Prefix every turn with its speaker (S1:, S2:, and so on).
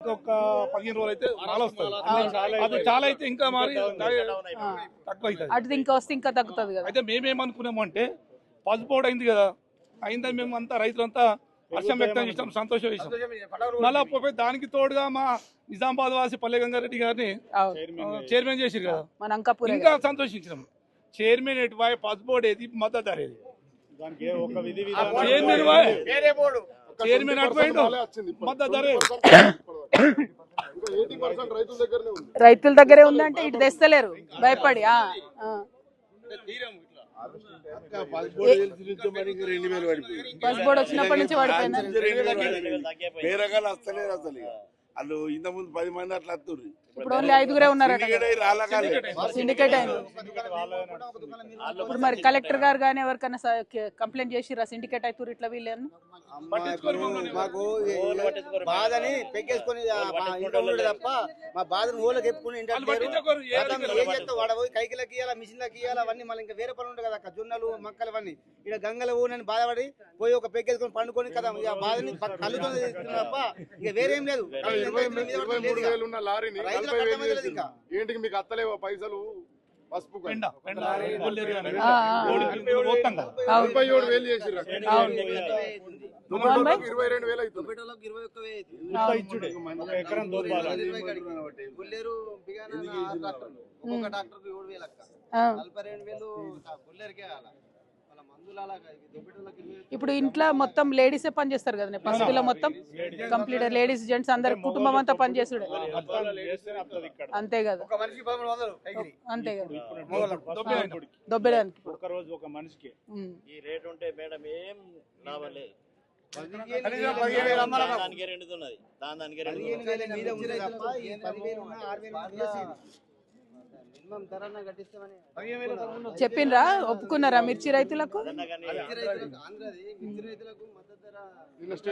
S1: ఒక 15 రోజులు అయితే చాలా వస్తుంది. అది చాలా అయితే ఇంకా మరి తక్కువ అవుతుంది.
S2: అటు ఇంకా వస్తే ఇంకా తగ్గుతుంది కదా.
S1: అయితే మేమేమనుకున్నాము అంటే పసుపోడు అయింది కదా, అయిందని మేము అంతా రైతులంతా హర్షం వ్యక్తం చేసాం, సంతోషం చేసాం. మళ్ళా పోయి దానికి తోడుగా మా నిజామాబాద్ వాసి పల్లె గంగారెడ్డి గారిని చైర్మన్ చేసిరు కదా, ఇంకా సంతోషించినాం. చైర్మన్ ఎటు వాయి పసుపోడు ఏది మద్దతు ధర ఏది చైర్మన్ అటుపోయిండు మద్దతు ధర
S2: రైతుల దగ్గరే ఉందంటే ఇటు తెస్తలేరు భయపడి. పసుపోడు వచ్చినప్పటి నుంచి పడిపోయింది.
S3: వాళ్ళు ఇంత ముందు 10 మంది అట్లా వస్తున్నారు,
S2: ఇప్పుడు ఓన్లీ 5గురే ఉన్నారట. సిండికేట్ అయింది. ఇప్పుడు మరి కలెక్టర్ గారు కానీ ఎవరికైనా కంప్లైంట్ చేసిరా సిండికేట్ అవుతారు ఇట్లా వీళ్ళని?
S4: మాకు బాధని పెక్కేసుకొని తప్ప మా బాధను ఊళ్ళకి ఎత్తుకుని వాడబోయి కైకిలకి ఇవ్వాలి, మిషన్లకి ఇవ్వాలి, అవన్నీ మళ్ళీ ఇంకా వేరే పనులు ఉంటాయి కదా, జొన్నలు మక్కలు అవన్నీ ఇక్కడ గంగల ఊనని బాధపడి పోయి ఒక పెక్కేసుకొని పండుకొని కదా ఇక బాధని కళ్ళుతో తప్ప ఇక వేరేం లేదు.
S5: 23,000 ఉన్న లారీని 40,000 ఇంకా ఏంటికి మీకు అత్తలేవా పైసలు? పసుపు 47,000 చేసిర్రు, 22,000
S2: ఇప్పుడు ఇంట్లో మొత్తం లేడీసే పని చేస్తారు కదా, పసుపులో మొత్తం కంప్లీట్ లేడీస్ జెంట్స్ అందరు కుటుంబం అంతా పని చేసుడు అంతే కదా. అంతే కదా దొబ్బేయడానికి
S6: ఒక రోజు ఒక మనిషికి ఈ రేట్ ఉంటే మేడం ఏం లాభం లేదు.
S2: చెప్పిండ్రా, ఒప్పుకున్నారా మిర్చి రైతులకు?